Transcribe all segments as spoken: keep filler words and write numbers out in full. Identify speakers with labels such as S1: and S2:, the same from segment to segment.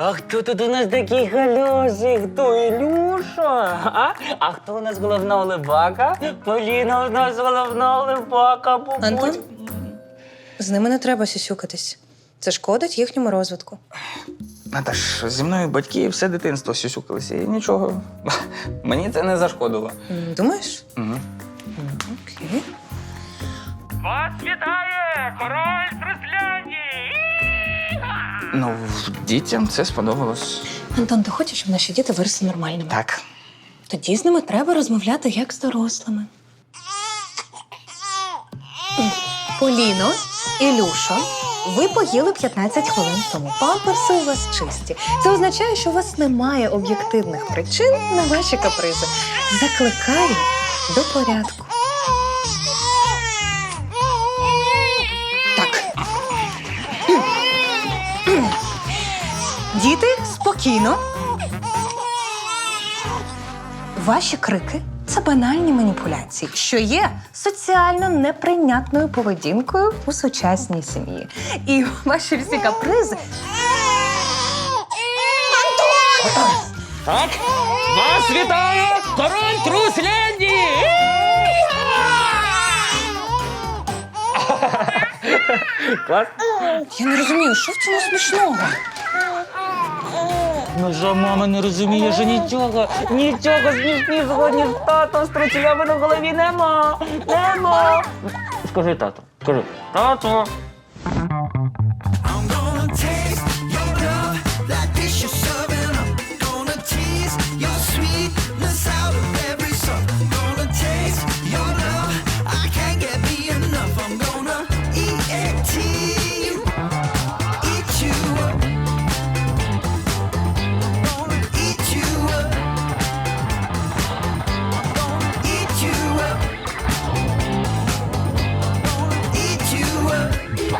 S1: А хто тут у нас такий хороший? Хто, Ілюша? А? А хто у нас головна улибака? Поліна у нас головна улибака. Бабусь.
S2: Антон? З ними не треба сюсюкатись. Це шкодить їхньому розвитку.
S1: Наташ, зі мною батьки все дитинство сюсюкалися. І нічого, мені це не зашкодило.
S2: М, Думаєш?
S1: Угу.
S2: Окей.
S3: Вас вітає король з Русляндії!
S1: Ну, дітям це сподобалось.
S2: Антон, ти хочеш, щоб наші діти виросли нормальними?
S1: Так.
S2: Тоді з ними треба розмовляти як з дорослими. Поліно, Ілюша, ви поїли п'ятнадцять хвилин тому. Памперси у вас чисті. Це означає, що у вас немає об'єктивних причин на ваші капризи. Закликаю до порядку. Так. Діти, спокійно. Ваші крики – це банальні маніпуляції, що є соціально неприйнятною поведінкою у сучасній сім'ї. І ваші всі капризи…
S3: Так, вас вітає король Трусляндії!
S1: Клас?
S2: Я не розумію, що в цьому смішного?
S1: Ну що, мама не розуміє, що нічого, нічого смішнішого, ніж тато з трусілями на голові нема. Нема. Скажи тату, скажи. Тату.
S4: I'm gonna taste your love like this you're serving up. Gonna tease your sweetness out of every song. Gonna taste your love, I can't get me enough. I'm gonna eat and tea you, eat you up. Gonna eat you up. Gonna eat you up. Gonna eat you up.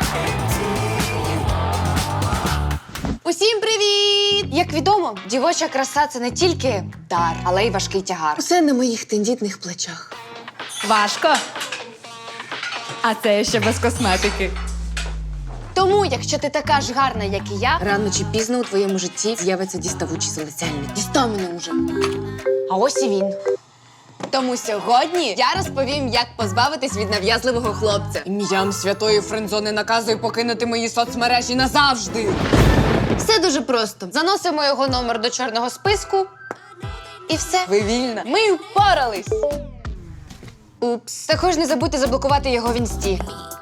S5: Усім привіт! Як відомо, дівоча краса – це не тільки дар, але й важкий тягар.
S6: Усе на моїх тендітних плечах.
S7: Важко. А це ще без косметики.
S5: Тому, якщо ти така ж гарна, як і я,
S6: Рано чи пізно у твоєму житті з'явиться діставучий залицяльник. Дістав мене уже.
S5: а ось і він. Тому сьогодні я розповім, як позбавитись від нав'язливого хлопця.
S6: Ім'ям святої френдзони наказую покинути мої соцмережі назавжди.
S5: Все дуже просто. Заносимо його номер до чорного списку, і все.
S6: Ви вільна.
S5: Ми впорались. Упс. Також не забудьте заблокувати його в інсті.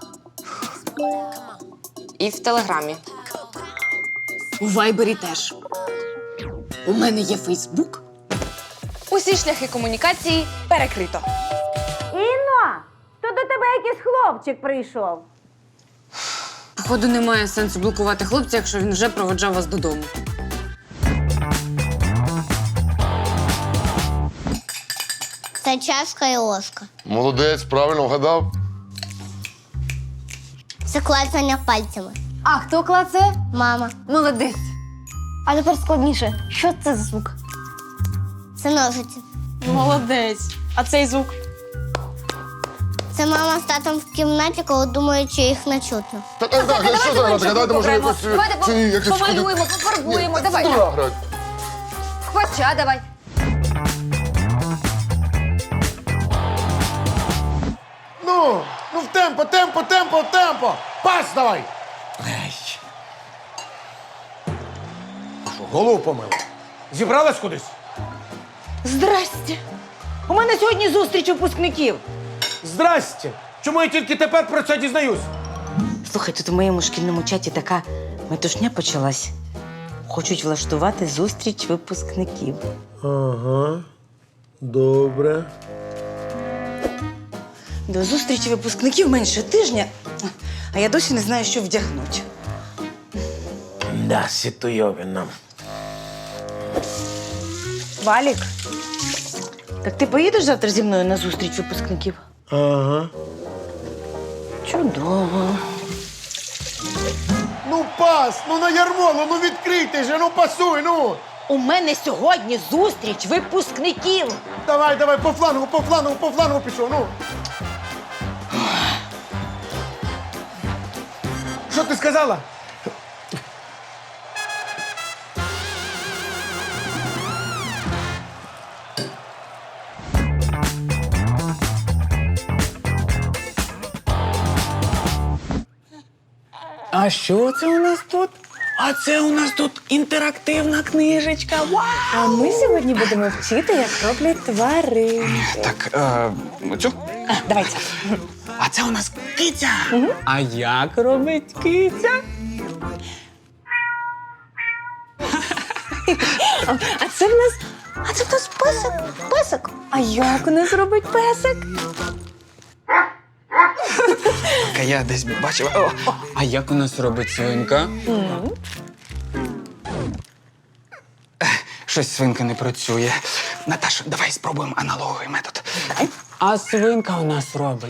S5: І в телеграмі.
S6: У вайбері теж. У мене є Фейсбук.
S5: Усі шляхи комунікації перекрито.
S8: Інно, то до тебе якийсь хлопчик прийшов.
S6: Походу, немає сенсу блокувати хлопця, якщо він вже проводжав вас додому.
S9: Це чашка і ложка.
S10: Молодець, правильно вгадав.
S9: Це клацання пальцями.
S5: А хто клацає?
S9: Мама.
S5: Молодець.
S9: А тепер складніше. Що це за звук? Це ножиці.
S5: Молодець. А цей звук?
S9: Це мама з татом в кімнаті, коли думають, що їх не чутно.
S10: Так, так, так, що це грати? Давайте, може, якось... е,
S5: Давайте
S10: ці, якось
S5: помалюємо,
S10: ходить-
S5: пофарбуємо.
S10: Ні,
S5: Давай.
S10: дура грати.
S5: Хвача, давай.
S10: Ну, ну в темпо, темпо, темпо, темпо. Пас давай. Що, голову помила? Зібралась кудись?
S8: Здрасте. У мене сьогодні зустріч випускників.
S11: Здрасте! Чому я тільки тепер про це дізнаюсь?
S12: Слухай, тут у моєму шкільному чаті така метушня почалась. Хочуть влаштувати зустріч випускників.
S11: Ага, добре.
S12: До зустрічі випускників менше тижня, а я досі не знаю, що вдягнути.
S11: Да, ситуйовина.
S12: Валік, так ти поїдеш завтра зі мною на зустріч випускників?
S11: Ага.
S12: Чудово.
S10: Ну пас, ну на ярмолу, ну відкрийте же, ну пасуй, ну.
S8: У мене сьогодні зустріч випускників.
S10: Давай, давай, по флангу, по флангу, по флангу пішов, ну.
S11: Що ти сказала? А що це у нас тут? А це у нас тут інтерактивна книжечка. Вау!
S2: А ми сьогодні будемо вчити, як роблять тварин.
S11: Так, е, цю?
S2: А, давай це.
S11: А це у нас киця. А як робить киця?
S2: А це в нас. А це в нас песик. Песик. А як у нас робить песик?
S11: Так, я десь бачив. О, а як у нас робить свинка? Ех, Щось свинка не працює. Наташа, давай спробуємо аналоговий метод. А свинка у нас робить.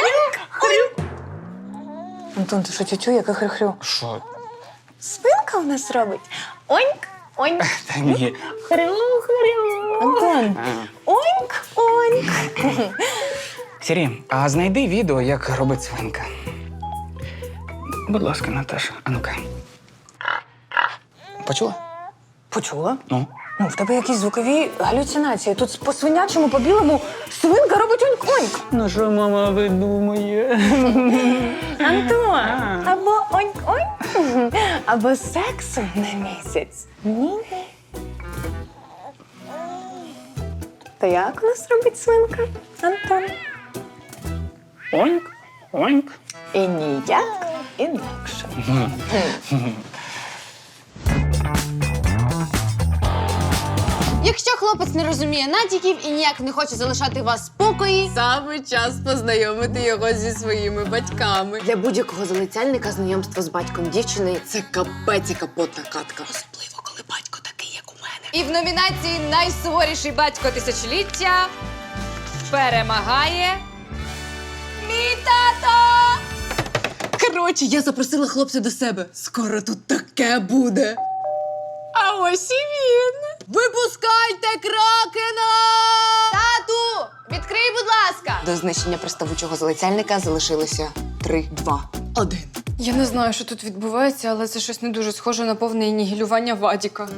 S2: Антон, ти що тютю, яка хрю-хрю?
S11: Що?
S2: Свинка у нас робить. Оньк, оньк.
S11: Та ні.
S2: Хрю-хрю. Антон. Оньк, оньк.
S11: Сірі, а знайди відео, як робить свинка. Будь ласка, Наташа, а ну-ка. Почула?
S2: Почула?
S11: Ну?
S2: Ну, в тебе якісь звукові галюцинації. Тут по свинячому, по білому свинка робить оньк-оньк.
S11: Ну що мама видумає?
S2: Антон, або оньк-оньк, або сексу на місяць. Ні. Та як у нас робить свинка, Антон?
S11: Оньк, оньк.
S2: І ніяк інакше.
S5: Якщо хлопець не розуміє натяків і ніяк не хоче залишати вас в спокої, саме час познайомити його зі своїми батьками. Для будь-якого залицяльника знайомство з батьком дівчини – це капець і капотна катка. Особливо, коли батько такий, як у мене. І в номінації «Найсуворіший батько тисячоліття» перемагає мій тато! Коротше, я запросила хлопця до себе. Скоро тут таке буде. А ось і він. Випускайте кракена! Тату, відкрий, будь ласка. До знищення приставучого залицяльника залишилося три, два, один.
S6: Я не знаю, що тут відбувається, але це щось не дуже схоже на повне нігілювання Вадіка.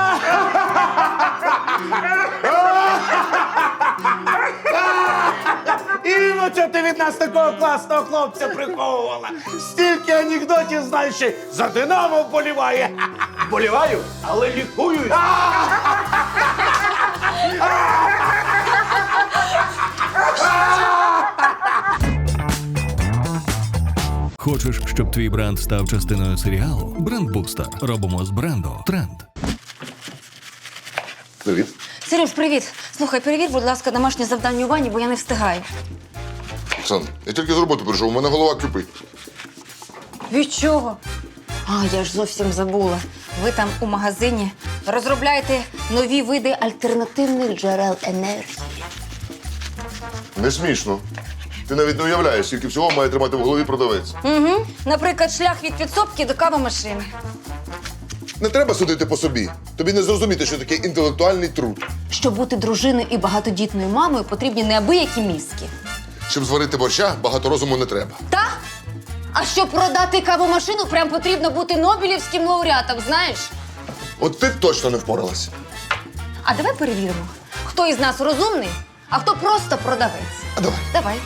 S10: Іно, чого ти від нас такого класного хлопця приховувала? Стільки анекдотів знаєш, ще за Динамо вболіває. Вболіваю, але лікую.
S13: Хочеш, щоб твій бренд став частиною серіалу? Брендбустер. Робимо з бренду тренд.
S10: Привіт.
S12: Сереж, привіт. Слухай, перевір, будь ласка, домашнє завдання у вані, бо я не встигаю.
S10: Сан, я тільки з роботи прийшов, у мене голова кипить.
S12: Від чого? А, я ж зовсім забула. Ви там у магазині розробляєте нові види альтернативних джерел енергії.
S10: Не смішно. Ти навіть не уявляєш, скільки всього має тримати в голові продавець.
S12: Угу. Наприклад, шлях від підсобки до кавомашини.
S10: Не треба судити по собі. Тобі не зрозуміти, що таке інтелектуальний труд.
S12: Щоб бути дружиною і багатодітною мамою, потрібні неабиякі мізки.
S10: Щоб зварити борща, багато розуму не треба.
S12: Та? А щоб продати кавомашину, прям потрібно бути нобелівським лауреатом, знаєш?
S10: От ти б точно не впоралася.
S12: А давай перевіримо, хто із нас розумний, а хто просто продавець.
S10: А давай.
S12: Давай.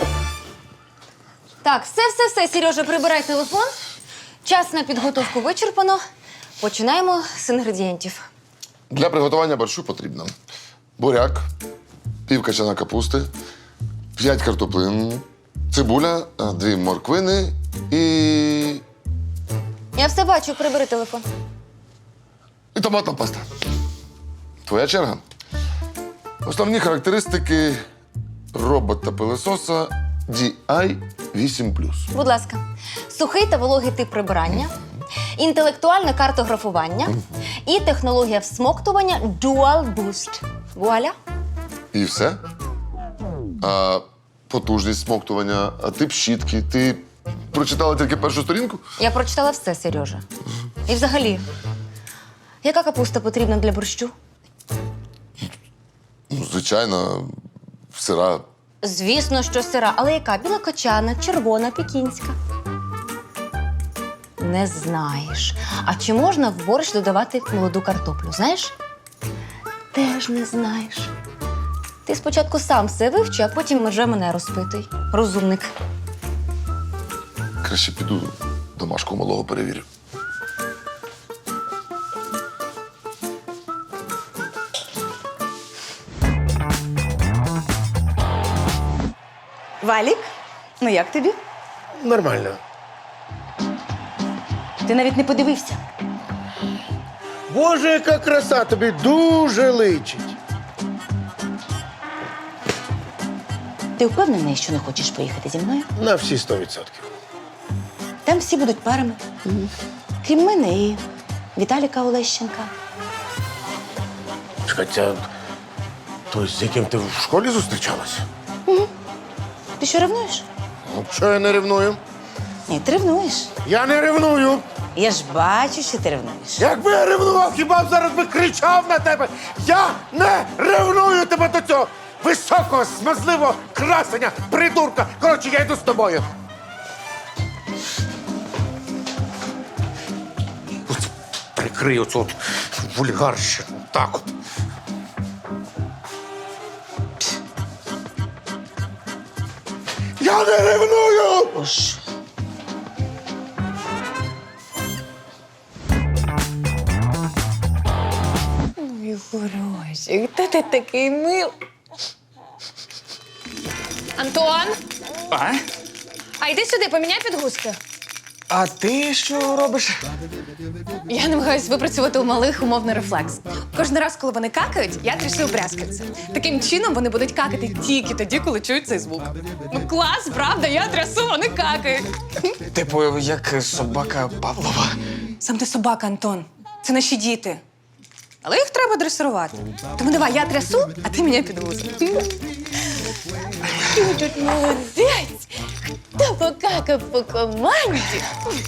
S12: Так, все, все, все, Сережа, прибирай телефон. Час на підготовку вичерпано. Починаємо з інгредієнтів.
S10: Для приготування борщу потрібно буряк, пів качана капусти, п'ять картоплин, цибуля, дві морквини і...
S12: Я все бачу, прибери телефон.
S10: і томатна паста. Твоя черга. Основні характеристики робота-пилососа ді ай вісім плюс.
S12: Будь ласка. Сухий та вологий тип прибирання, інтелектуальне картографування і технологія всмоктування Dual Boost. Вуаля.
S10: І все? А потужність смоктування, а тип щітки. Ти прочитала тільки першу сторінку?
S12: Я прочитала все, Сережа. І взагалі, яка капуста потрібна для борщу?
S10: Ну, звичайно, сира.
S12: Звісно, що сира, але яка? Білокочана, червона, пекінська. Не знаєш. А чи можна в борщ додавати молоду картоплю? Знаєш? Теж не знаєш. Ти спочатку сам все вивчи, а потім вже мене розпитуй. Розумник.
S10: Краще піду
S14: домашку малого перевірю.
S12: Валік, ну як тобі?
S10: Нормально.
S12: Ти навіть не подивився.
S10: Боже, яка краса, тобі дуже личить.
S12: Ти впевнений, що не хочеш поїхати зі мною?
S10: На всі сто відсотків.
S12: Там всі будуть парами. Крім мене і Віталіка Олещенка.
S10: Хоча, той, з яким ти в школі зустрічалась?
S12: Ти що, ревнуєш?
S10: Ну, що я не ревную?
S12: Ні, ти ревнуєш.
S10: Я не ревную.
S12: Я ж бачу, що ти ревнуєш.
S10: Якби я ревнував, хіба б зараз би кричав на тебе? Я не ревную тебе до цього високого, смазливого красення, придурка. Коротше, я йду з тобою. От прикрий оцю от вульгарщину. Так от. Я не ревную!
S12: Боже. Ой, хороший, хто ти такий мил?
S7: Антон,
S11: А?
S7: а йди сюди, поміняй підгузки.
S11: А ти що робиш?
S7: Я намагаюся випрацювати у малих умовний рефлекс. Кожен раз, коли вони какають, я трясу брязкальце. Таким чином вони будуть какати тільки тоді, коли чують цей звук. Ну клас, правда, я трясу, вони какають.
S11: Типу, як собака Павлова.
S7: Сам ти собака, Антон. Це наші діти. Але їх треба дресирувати. Тому давай, я трясу, а ти міняй підгузки. Ти тут молодець! Хто покакав по команді?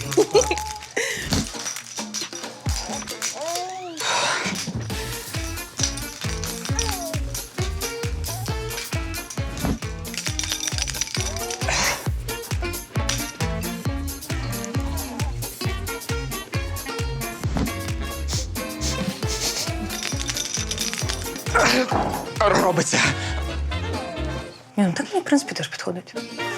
S11: Робиться.
S2: Ні, ну так мені, в принципі, теж підходить.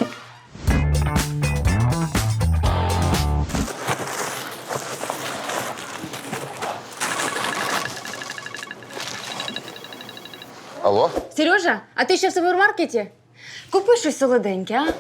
S14: Алло?
S5: Сережа, а ти ще в супермаркеті? Купи щось солоденьке, а?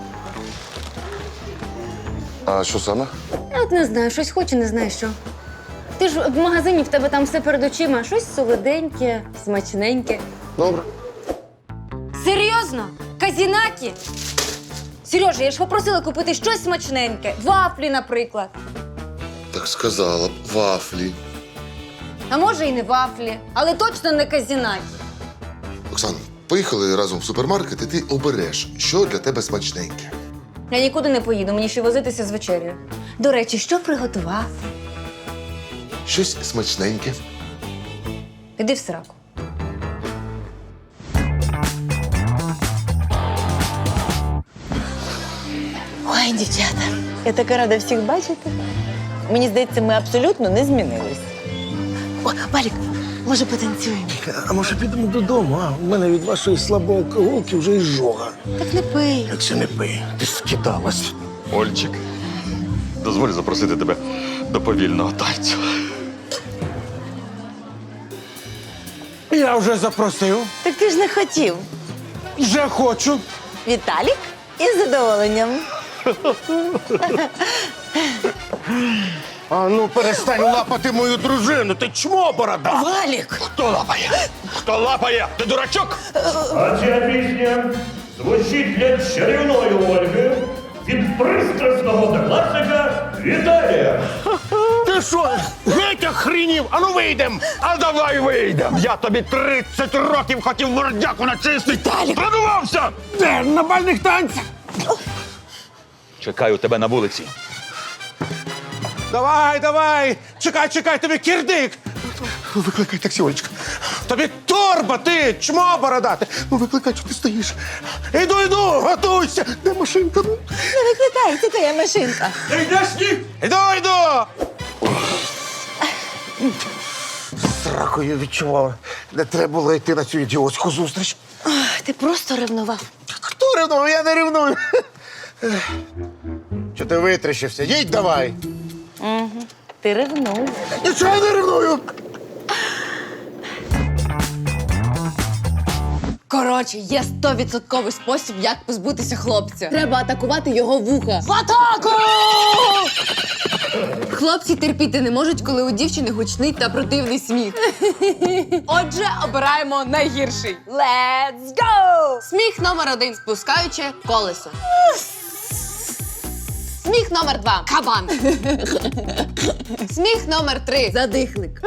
S14: А що саме?
S5: Я от не знаю, щось хочу, не знаю що. Ти ж в магазині, в тебе там все перед очима. Щось солоденьке, смачненьке.
S14: Добре.
S5: Серйозно? Казінакі? Сережа, я ж попросила купити щось смачненьке. Вафлі, наприклад.
S14: Так сказала б, вафлі.
S5: А може і не вафлі, але точно не казінакі.
S14: Оксан, поїхали разом в супермаркет, і ти обереш, що для тебе смачненьке.
S5: Я нікуди не поїду, мені ще возитися з вечерею. До речі, що приготував?
S14: Щось смачненьке.
S5: Іди в сраку.
S12: Ой, дівчата, я така рада всіх бачити. Мені здається, ми абсолютно не змінились. О, Валік, може потанцюємо?
S10: А може підемо додому, а? У мене від вашої слабої алкоголки вже і жога.
S12: Так не пий.
S10: Як це не пий? Ти скидалась.
S15: Ольчик, дозволь запросити тебе до повільного танцю.
S10: Я вже запросив.
S12: Так ти ж не хотів.
S10: Вже хочу.
S12: Віталік із задоволенням.
S10: А ну перестань лапати мою дружину, ти чмо борода!
S12: Валік!
S15: Хто лапає? Хто лапає? Ти дурачок?
S3: А ця пісня звучить для чарівної Ольги від пристрасного класика Віталія.
S10: Ти що, геть охренів? А ну вийдем!
S15: А давай вийдем! Я тобі тридцять років хотів мордяку начистити! Продувався!
S10: Де? На бальних танцях?
S15: Чекаю тебе на вулиці.
S10: Давай, давай! Чекай, чекай, тобі кірдик! Викликай таксі, Олечка. Тобі торба, ти, чмо бородати! Ну викликай, що ти стоїш. Іду, іду, готуйся! Де машинка? Ну?
S12: Не викликай, це твоя машинка.
S10: Ти йдеш, ні? Іду, іду! Сракою відчував. Не треба було йти на цю ідіотську зустріч.
S12: Ох, ти просто ревнував.
S10: Хто ревнує? Я не ревную. Що ти витріщився? Їдь давай!
S2: Угу. Ти ревнув.
S10: Нічого я не ревную!
S5: Коротше, є стовідсотковий спосіб, як позбутися хлопця. Треба атакувати його вуха.
S7: В атаку!
S5: Хлопці терпіти не можуть, коли у дівчини гучний та противний сміх.
S7: Отже, обираємо найгірший. Let's go!
S5: Сміх номер один – спускаюче колесо. Сміх номер два – кабан. Сміх номер три – задихлик.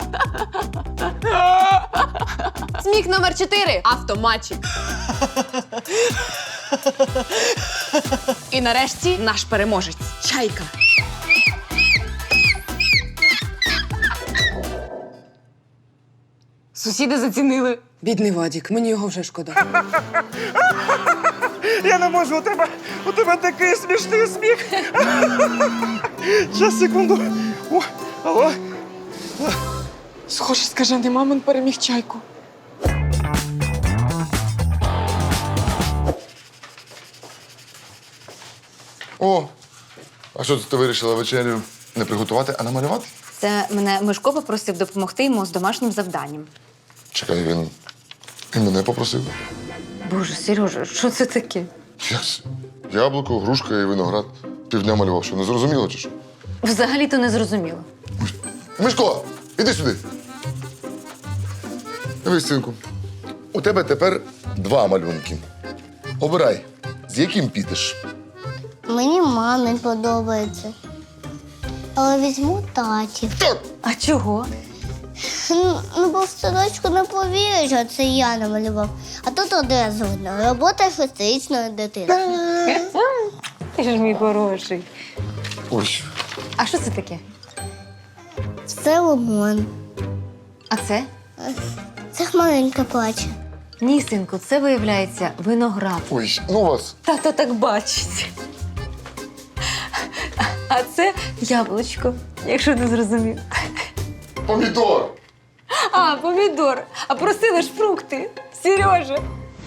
S5: Сміх номер чотири – автоматчик.
S7: І нарешті наш переможець – чайка.
S5: Сусіди зацінили. Бідний Вадік, мені його вже шкода.
S15: Я не можу, у тебе, у тебе такий смішний сміх. Щас, секунду. О, алло.
S6: Схоже, скажений мамин переміг чайку.
S14: О, а що ти вирішила вечерю не приготувати, а намалювати?
S12: Це мене Мишко попросив допомогти йому з домашнім завданням.
S14: Чекай, він, він мене попросив.
S12: Боже, Сережа, що це таке?
S14: Як це? Яблуко, грушка і виноград. Півдня малював, що не зрозуміло чи що?
S12: Взагалі-то не зрозуміло.
S14: Мишко, іди сюди. Дивись, синку. У тебе тепер два малюнки. Обирай, з яким підеш.
S9: Мені мамин подобається. Але візьму таті.
S12: А чого?
S9: Ну, ну, бо в садочку не повірять, що це я намалював. А тут одразу видно. Робота шестирічної дитини.
S12: Ти ж мій хороший.
S14: Ось.
S12: А що це таке?
S9: Це лимон.
S12: А це?
S9: Це хмаринка плаче.
S12: Ні, синку, це виявляється виноград.
S14: Ой, ну вас.
S12: Тато так бачить. А це яблучко, якщо не зрозумів.
S14: Помідор.
S12: А, помідор. А просили ж фрукти. Сережа.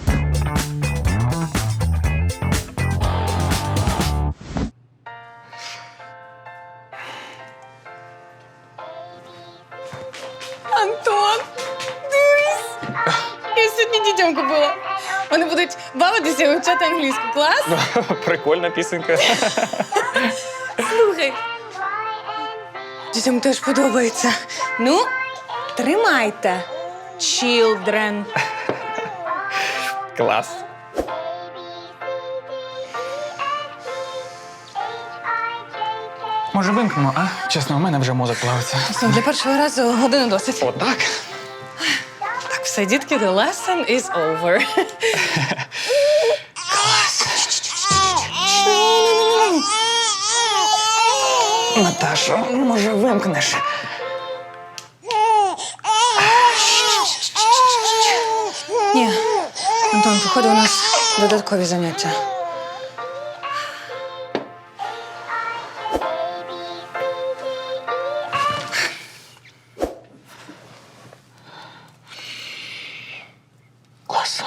S7: Антон, дивись! Я сьогодні дітям купила. Вони будуть бавитися і вивчати англійську. Клас?
S11: Прикольна пісенька.
S7: Слухай. Дітям теж подобається. Ну, тримайте. Children.
S11: Клас. Може, вимкнемо, а? Чесно, у мене вже мозок плавиться.
S7: Все, для першого разу години досить.
S11: Отак?
S7: Так, все, дітки, the lesson is over.
S11: Наташо, може, вимкнеш?
S7: Ні, Антон, походу, у нас додаткові заняття.
S11: Клас.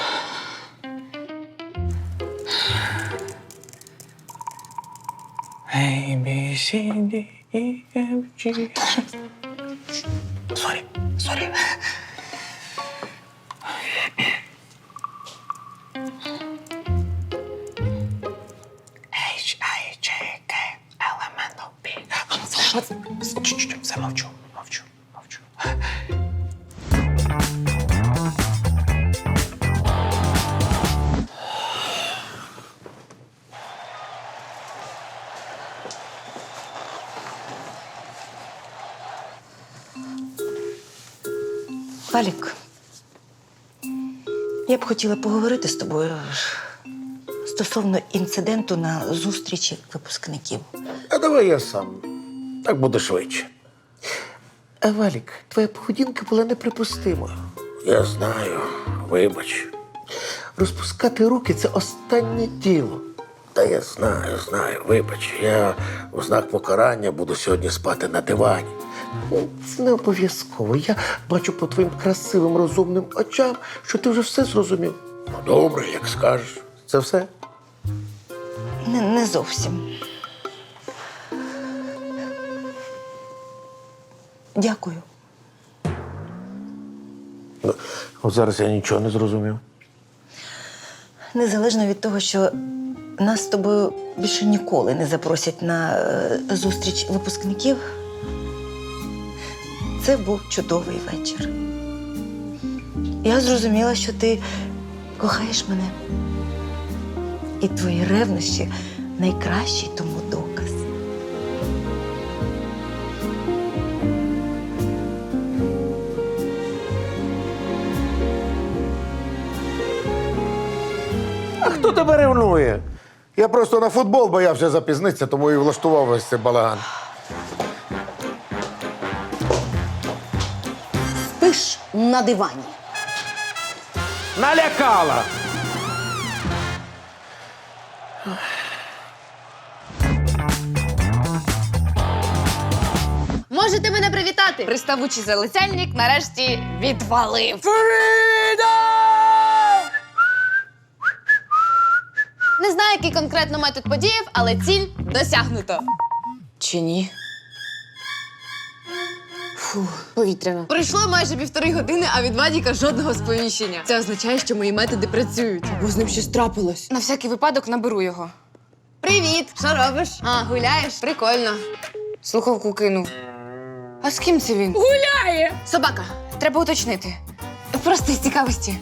S11: A, B, C, D, E, F, G. Сорі, сорі. H, I, J, K, L, M, N, O, P. Чуть-чуть, все, мовчу, мовчу, мовчу.
S16: Валік, я б хотіла поговорити з тобою стосовно інциденту на зустрічі випускників.
S10: А давай я сам. Так буде швидше. А, Валік, твоя поведінка була неприпустимою. Я знаю, вибач. Розпускати руки – це останнє діло. Та я знаю, знаю, вибач. Я у знак покарання буду сьогодні спати на дивані. Ну, це не обов'язково. Я бачу по твоїм красивим, розумним очам, що ти вже все зрозумів. Ну, добре, як скажеш. Це все?
S16: Не, не зовсім. Дякую.
S10: От зараз я нічого не зрозумів.
S16: Незалежно від того, що нас з тобою більше ніколи не запросять на е, зустріч випускників, це був чудовий вечір. Я зрозуміла, що ти кохаєш мене. І твої ревнощі найкращий тому доказ.
S10: А хто тебе ревнує? Я просто на футбол боявся запізнитися, тому і влаштував весь цей балаган.
S12: Спиш на дивані.
S10: Налякала!
S5: Можете мене привітати! Приставучий залицяльник нарешті відвалив. Не знаю, який конкретно метод подіяв, але ціль досягнуто.
S6: Чи ні? Фу, повітряно.
S5: Пройшло майже півтори години, а від Вадіка жодного сповіщення. Це означає, що мої методи працюють. Бо з ним щось трапилось.
S6: На всякий випадок наберу його.
S5: Привіт! Що робиш? А, гуляєш? Прикольно.
S6: Слухавку кинув. А з ким це він?
S5: Гуляє! Собака.
S6: Треба уточнити. Просто з цікавості.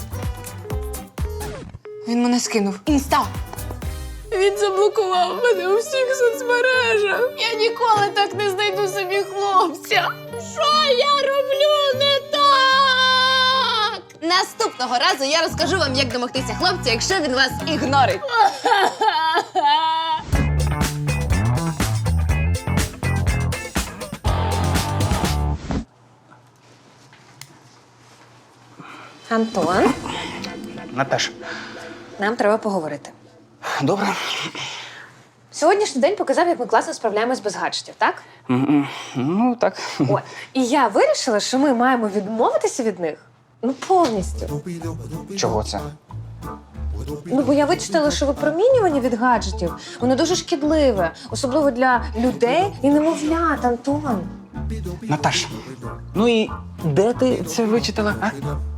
S6: Він мене скинув.
S5: Інста. Він заблокував мене у всіх соцмережах. Я ніколи так не знайду собі хлопця. Що я роблю не так? Наступного разу я розкажу вам, як домогтися хлопця, якщо він вас ігнорить.
S2: Антон,
S11: Наташ,
S2: нам треба поговорити.
S11: добре?
S2: Сьогоднішній день показав, як ми класно справляємось без гаджетів, так?
S11: М-м, Ну, так.
S2: О, і я вирішила, що ми маємо відмовитися від них. Ну, повністю.
S11: Чого це?
S2: Ну, бо я вичитала, що випромінювання від гаджетів, воно дуже шкідливе, особливо для людей і немовлят, Антон.
S11: Наташ, ну і де ти це вичитала, а?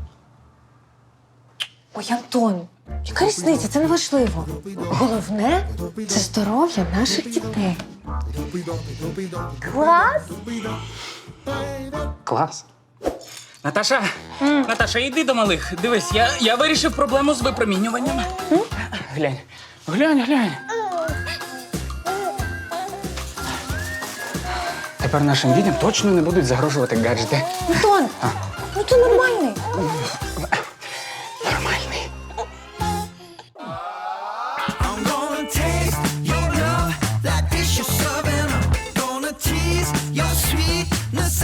S2: Ой, Антон, яка різниця? Це не важливо. Головне – це здоров'я наших дітей. Клас!
S11: Клас. Наташа, Наташа, іди до малих. Дивись, я, я вирішив проблему з випромінюванням. Глянь, глянь, глянь. Тепер нашим дітям точно не будуть загрожувати гаджети.
S2: Антон, ну ти нормальний.
S11: Нормальний.
S4: I'm gonna taste your love like dish you're serving up. Gonna tease your sweetness